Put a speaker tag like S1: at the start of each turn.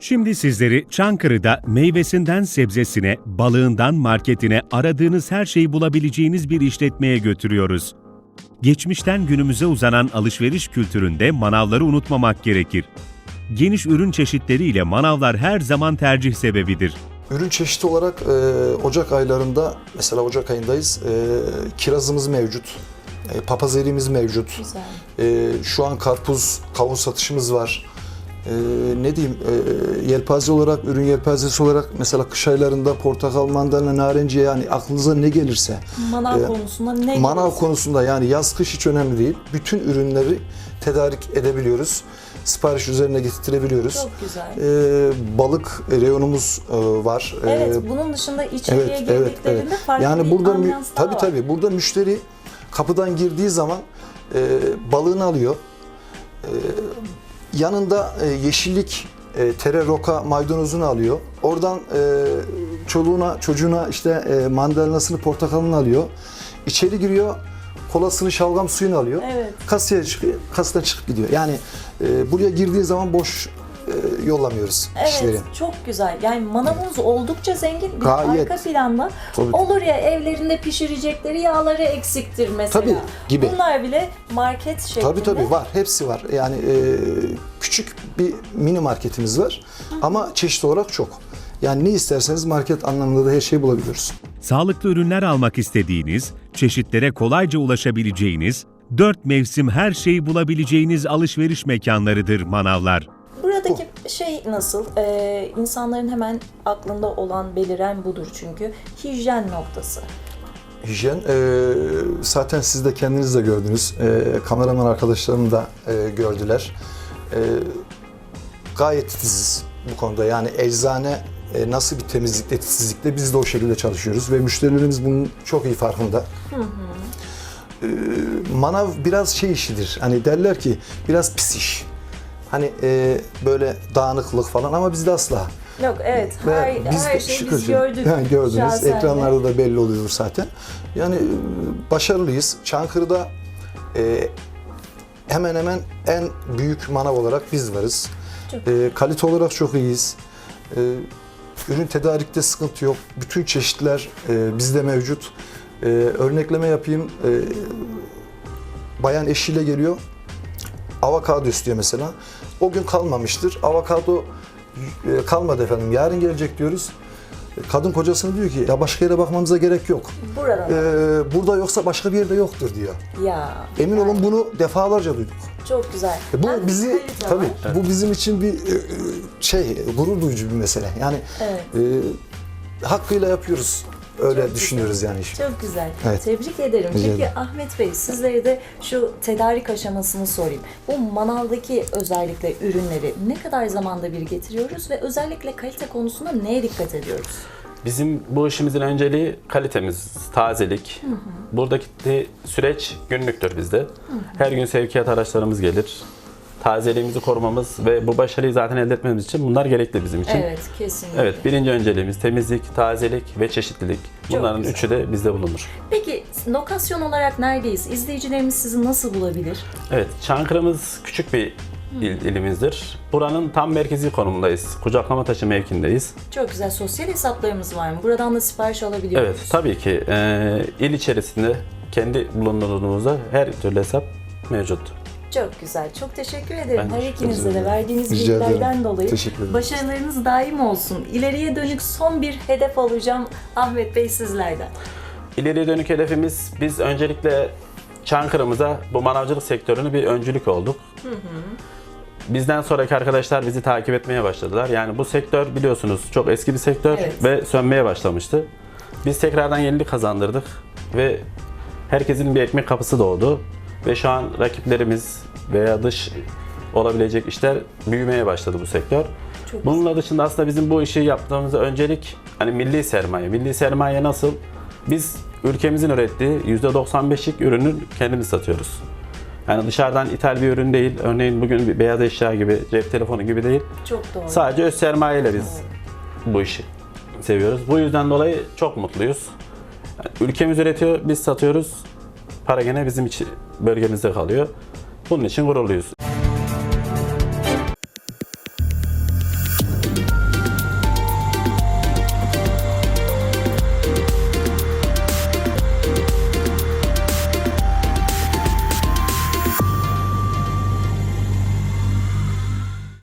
S1: Şimdi sizleri Çankırı'da meyvesinden sebzesine, balığından marketine aradığınız her şeyi bulabileceğiniz bir işletmeye götürüyoruz. Geçmişten günümüze uzanan alışveriş kültüründe manavları unutmamak gerekir. Geniş ürün çeşitleriyle manavlar her zaman tercih sebebidir.
S2: Ürün çeşidi olarak Ocak aylarında, mesela Ocak ayındayız, kirazımız mevcut, papaz eriğimiz mevcut.
S3: Güzel.
S2: Şu an karpuz, kavun satışımız var. Ne diyeyim, yelpaze olarak, ürün yelpazesi olarak mesela kış aylarında portakal, mandalina, narenciye, yani aklınıza ne gelirse.
S3: Manav konusunda ne
S2: Manav
S3: gelirse.
S2: konusunda, yani yaz kış hiç önemli değil. Bütün ürünleri tedarik edebiliyoruz. Sipariş üzerine getirtirebiliyoruz.
S3: Çok güzel.
S2: Balık reyonumuz var.
S3: Evet, bunun dışında içeriye girdiklerinde farklı
S2: yani
S3: bir
S2: burada
S3: ambiyans daha var.
S2: tabii burada müşteri kapıdan girdiği zaman balığını alıyor. Yanında yeşillik, tere, roka, maydanozunu alıyor. Oradan çoluğuna, çocuğuna işte mandalinasını, portakalını alıyor. İçeri giriyor, kolasını, şalgam suyunu alıyor.
S3: Evet.
S2: Kasaya çıkıyor, kasadan çıkıp gidiyor. Yani buraya girdiği zaman boş yollamıyoruz kişileri.
S3: Evet, çok güzel. Yani manavımız oldukça zengin. Bir
S2: Gayet.
S3: arka planda
S2: Tabii.
S3: olur ya, evlerinde pişirecekleri yağları eksiktir mesela.
S2: Tabii, gibi.
S3: Bunlar bile market şeklinde.
S2: Tabii var, hepsi var. Yani küçük bir mini marketimiz var ama çeşit olarak çok. Yani ne isterseniz market anlamında da her şeyi bulabiliyoruz.
S1: Sağlıklı ürünler almak istediğiniz, çeşitlere kolayca ulaşabileceğiniz, 4 mevsim her şeyi bulabileceğiniz alışveriş mekanlarıdır manavlar.
S3: Buradaki şey nasıl? İnsanların hemen aklında olan, beliren budur çünkü. Hijyen noktası.
S2: Hijyen, zaten siz de kendiniz de gördünüz. Kameraman arkadaşlarım da gördüler. Gayet titiziz bu konuda. Yani eczane nasıl bir temizlikle, titizlikle biz de o şekilde çalışıyoruz ve müşterilerimiz bunun çok iyi farkında. Manav biraz şey işidir. Hani derler ki biraz pis iş. Hani böyle dağınıklık falan, ama bizde asla.
S3: Yok, evet. Her şeyi biz gördük.
S2: Yani gördünüz.
S3: Şahsen de.
S2: Ekranlarda da belli oluyor zaten. Yani başarılıyız. Çankırı'da hemen hemen en büyük manav olarak biz varız. Kalite olarak çok iyiyiz. Ürün tedarikte sıkıntı yok. Bütün çeşitler bizde mevcut. Örnekleme yapayım. Bayan eşiyle geliyor. Avokado istiyor mesela. O gün kalmamıştır. Avokado kalmadı efendim, yarın gelecek diyoruz. Kadın kocasına diyor ki ya başka yere bakmamıza gerek yok.
S3: Burada.
S2: Burada yoksa başka bir yerde yoktur diyor.
S3: Ya.
S2: Emin olun bunu defalarca duyduk.
S3: Çok güzel.
S2: Bu
S3: Hem
S2: bizi
S3: kalite
S2: tabii
S3: var.
S2: bu bizim için bir gurur duyucu bir mesele. Yani
S3: Evet.
S2: hakkıyla yapıyoruz. Öyle
S3: Çok
S2: düşünüyoruz yani işi.
S3: Çok güzel.
S2: Evet.
S3: Tebrik ederim.
S2: Rica
S3: Peki
S2: ederim.
S3: Ahmet Bey, sizlere de şu tedarik aşamasını sorayım. Bu manavdaki özellikle ürünleri ne kadar zamanda bir getiriyoruz ve özellikle kalite konusunda neye dikkat ediyoruz?
S4: Bizim bu işimizin önceliği kalitemiz, tazelik. Buradaki süreç günlüktür bizde. Her gün sevkiyat araçlarımız gelir. Tazeliğimizi korumamız ve bu başarıyı zaten elde etmemiz için bunlar gerekli bizim için.
S3: Evet, kesinlikle.
S4: Evet, birinci önceliğimiz temizlik, tazelik ve çeşitlilik. Bunların
S3: güzel.
S4: üçü de bizde bulunur.
S3: Peki lokasyon olarak neredeyiz? İzleyicilerimiz sizi nasıl bulabilir?
S4: Evet, Çankırı'mız küçük bir ilimizdir. Buranın tam merkezi konumundayız. Kucaklamataşı mevkindeyiz.
S3: Çok güzel. Sosyal hesaplarımız var mı? Buradan da sipariş alabiliyor
S4: Evet,
S3: muyuz?
S4: tabii ki il içerisinde kendi bulunduğumuzda her türlü hesap mevcut.
S3: Çok güzel. Çok teşekkür ederim.
S4: Ben
S3: Her
S4: teşekkür
S3: ikinize de
S4: ederim.
S3: verdiğiniz
S2: Rica ederim.
S3: bilgilerden dolayı.
S2: Teşekkür ederim.
S3: Başarılarınız daim olsun. İleriye dönük son bir hedef alacağım Ahmet Bey sizlerden.
S4: İleriye dönük hedefimiz, biz öncelikle Çankırı'mıza bu manavcılık sektörünü bir öncülük olduk. Bizden sonraki arkadaşlar bizi takip etmeye başladılar. Yani bu sektör biliyorsunuz çok eski bir sektör
S3: Evet.
S4: ve sönmeye başlamıştı. Biz tekrardan yenilik kazandırdık ve herkesin bir ekmek kapısı doğdu. Ve şu an rakiplerimiz veya dış olabilecek işler büyümeye başladı bu sektör.
S3: Çok
S4: Bununla dışında aslında bizim bu işi yaptığımızda öncelik hani milli sermaye. Milli sermaye nasıl? Biz ülkemizin ürettiği %95'lik ürünü kendimiz satıyoruz. Yani dışarıdan ithal bir ürün değil. Örneğin bugün bir beyaz eşya gibi, cep telefonu gibi değil.
S3: Çok doğru.
S4: Sadece öz sermayeyle biz bu işi seviyoruz. Bu yüzden dolayı çok mutluyuz. Yani ülkemiz üretiyor, biz satıyoruz. Para gene bizim için bölgemizde kalıyor. Bunun için gururluyuz.